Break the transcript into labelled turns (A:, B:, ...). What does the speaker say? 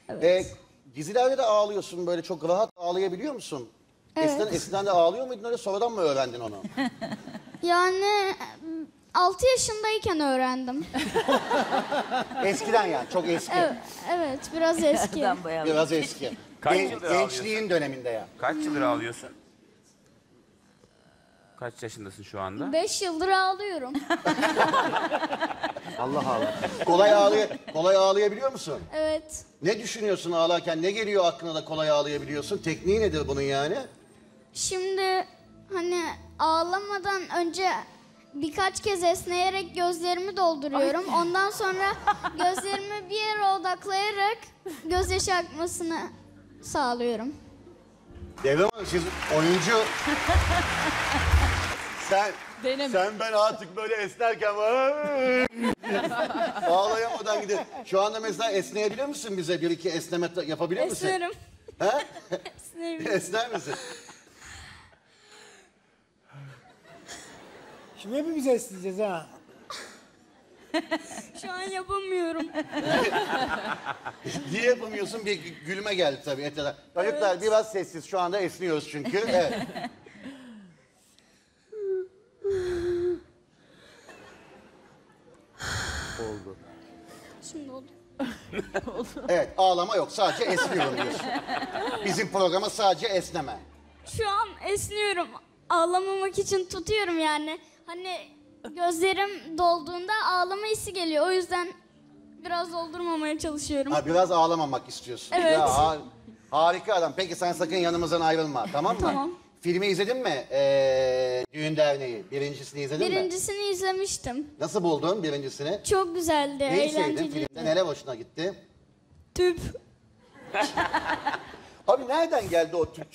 A: Evet.
B: Dizilerde de ağlıyorsun, böyle çok rahat ağlayabiliyor musun?
A: Evet.
B: Eskiden de ağlıyor muydun, öyle sonradan mı öğrendin onu?
A: Yani 6 yaşındayken öğrendim.
B: Eskiden yani, çok eski.
A: Evet, biraz eski.
B: Biraz eski.
C: Kaç yıldır
B: Gençliğin döneminde ya.
C: Kaç yıldır ağlıyorsun? Kaç yaşındasın şu anda?
A: 5 yıldır ağlıyorum.
B: Allah Allah. Kolay ağlayabiliyor musun?
A: Evet.
B: Ne düşünüyorsun ağlarken? Ne geliyor aklına da kolay ağlayabiliyorsun? Tekniği nedir bunun yani?
A: Şimdi hani ağlamadan önce birkaç kez esneyerek gözlerimi dolduruyorum. Ondan sonra gözlerimi bir yere odaklayarak gözyaşı akmasını sağlıyorum.
B: Devrim Hanım, siz oyuncu... Sen ben artık böyle esnerken ağlayamadan gidiyor. Şu anda mesela esneyebilir misin bize? Bir iki esneme yapabilir misin?
A: Esnerim.
B: Ha?
A: Esnerim.
B: Esner misin?
D: Şimdi hepimiz esneyeceğiz ha.
A: Şu an yapamıyorum.
B: Niye yapamıyorsun? Bir gülme geldi tabii. Çocuklar biraz sessiz. Şu anda esniyoruz çünkü. Evet. Oldu.
A: Şimdi oldu.
B: Evet, ağlama yok. Sadece esniyorum diyorsun. Bizim programa sadece esneme.
A: Şu an esniyorum. Ağlamamak için tutuyorum yani. Hani gözlerim dolduğunda ağlama hissi geliyor. O yüzden biraz doldurmamaya çalışıyorum.
B: Ha, biraz ağlamamak istiyorsun.
A: Evet.
B: Ya, harika adam. Peki sen sakın yanımızdan ayrılma, tamam mı?
A: Tamam.
B: Filmi izledin mi? Düğün Derneği. Birincisini izledin mi?
A: Birincisini izlemiştim.
B: Nasıl buldun birincisini?
A: Çok güzeldi,
B: Neyi sevdin
A: eğlenceliydi.
B: filmde? Neler hoşuna gitti?
A: Tüp.
B: Abi nereden geldi o tüp